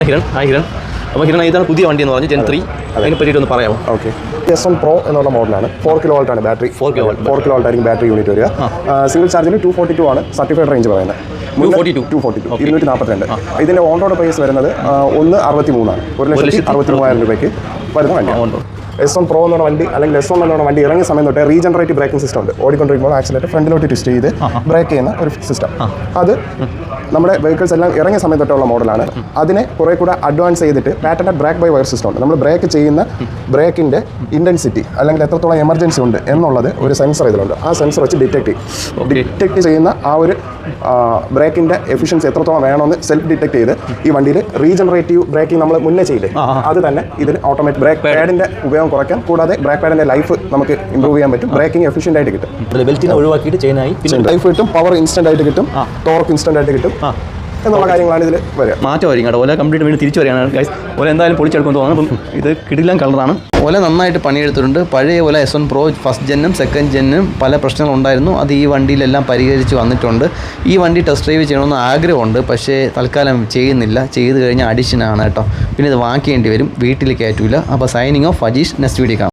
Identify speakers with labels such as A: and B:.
A: ഹിരൺ. അപ്പോൾ ഹിരൺ ഇതാണ് പുതിയ വണ്ടി എന്ന് പറഞ്ഞു Gen 3. അതിനെ പറ്റിയിട്ട് ഒന്ന് പറയാമോ?
B: ഓക്കെ. S1 Pro എന്നുള്ള മോഡലാണ്. 4 kW ആണ് ബാറ്ററി. 4 kW ആയിരിക്കും ബാറ്ററി യൂണിറ്റ് വരിക. സിംഗിൾ ചാർജിൽ 242 ആണ് സർട്ടിഫൈഡ് റേഞ്ച് പറയുന്നത്. 242 ഇതിൻ്റെ ഓൺ റോഡ് പ്രൈസ് വരുന്നത് 163 ആണ്. 1,63,000 രൂപയ്ക്ക് വരുന്ന വണ്ടിയാണ്. S1 Pro എന്നുള്ള വണ്ടി അല്ലെങ്കിൽ S1 എന്നുള്ള വണ്ടി ഇറങ്ങിയ സമയം തൊട്ടേ റീജനറേറ്റീവ് ബ്രേക്കിംഗ് സിസ്റ്റം ഉണ്ട്. ഓടിക്കൊണ്ടിരിക്കുമ്പോൾ ആക്സിലേറ്റർ ഫ്രണ്ടിലോട്ട് ട്വിസ്റ്റ് ചെയ്ത് ബ്രേക്ക് ചെയ്യുന്ന ഒരു സിസ്റ്റം. അത് നമ്മുടെ വെഹിക്കിൾസ് എല്ലാം ഇറങ്ങിയ സമയം തൊട്ടുള്ള മോഡലാണ്. അതിനെ കുറേ കൂടെ അഡ്വാൻസ് ചെയ്തിട്ട് patented brake by wire system ഉണ്ട്. നമ്മൾ ബ്രേക്ക് ചെയ്യുന്ന ബ്രേക്കിൻ്റെ ഇൻറ്റൻസിറ്റി അല്ലെങ്കിൽ എത്രത്തോളം എമർജൻസി ഉണ്ട് എന്നുള്ളത് ഒരു സെൻസർ ഇതിലുണ്ട്. ആ സെൻസർ വെച്ച് ഡിറ്റക്ട് ചെയ്യുന്ന ആ ഒരു ബ്രേക്കിൻ്റെ എഫിഷ്യൻസി എത്രത്തോളം വേണമെന്ന് സെൽഫ് ഡിറ്റക്ട് ചെയ്ത് ഈ വണ്ടിയിൽ റീജനറേറ്റീവ് ബ്രേക്കിംഗ് നമ്മൾ മുന്നേ ചെയ്യില്ലേ, അത് തന്നെ ഇതിന് ഓട്ടോമാറ്റിക് ബ്രേക്ക് പാഡിൻ്റെ ഉപയോഗം കുറയ്ക്കാം. കൂടാതെ ബ്രേക്ക് പാഡിൻ്റെ ലൈഫ് നമുക്ക് ഇമ്പ്രൂവ് ചെയ്യാൻ പറ്റും. ബ്രേക്കിംഗ് എഫിഷ്യൻ്റ് ആയിട്ട് കിട്ടും.
A: ബെൽറ്റിനെ ഒഴിവാക്കിയിട്ട് ചെയിനായി
B: ലൈഫ് കിട്ടും, പവർ ഇൻസ്റ്റന്റ് ആയിട്ട് കിട്ടും, ടോർക്ക് ഇൻസ്റ്റന്റ് ആയിട്ട് കിട്ടും എന്നുള്ള കാര്യങ്ങളാണ് ഇതിൽ വരിക.
A: മാറ്റമായിരിക്കും കേട്ടോ. ഓല കംപ്ലീറ്റ് വീണ്ടും തിരിച്ചു വരികയാണ് ഗൈസ്. ഓല എന്തായാലും പൊളിച്ചെടുക്കുമെന്ന് തോന്നുന്നു. അപ്പം ഇത് കിടിലൻ കളറാണ്. ഓല നന്നായിട്ട് പണിയെടുത്തിട്ടുണ്ട്. പഴയ ഓല S1 Pro ഫസ്റ്റ് ജെന്നും സെക്കൻഡ് ജെന്നും പല പ്രശ്നങ്ങളുണ്ടായിരുന്നു. അത് ഈ വണ്ടിയിലെല്ലാം പരിഹരിച്ച് വന്നിട്ടുണ്ട്. ഈ വണ്ടി ടെസ്റ്റ് ഡ്രൈവ് ചെയ്യണമെന്ന് ആഗ്രഹമുണ്ട്, പക്ഷേ തൽക്കാലം ചെയ്യുന്നില്ല. ചെയ്ത് കഴിഞ്ഞാൽ അഡിഷനാണ് കേട്ടോ. പിന്നെ ഇത് വാങ്ങിക്കേണ്ടി വരും, വീട്ടിൽ കയറ്റൂല. അപ്പോൾ signing off Ajeesh. Next video കാണാം.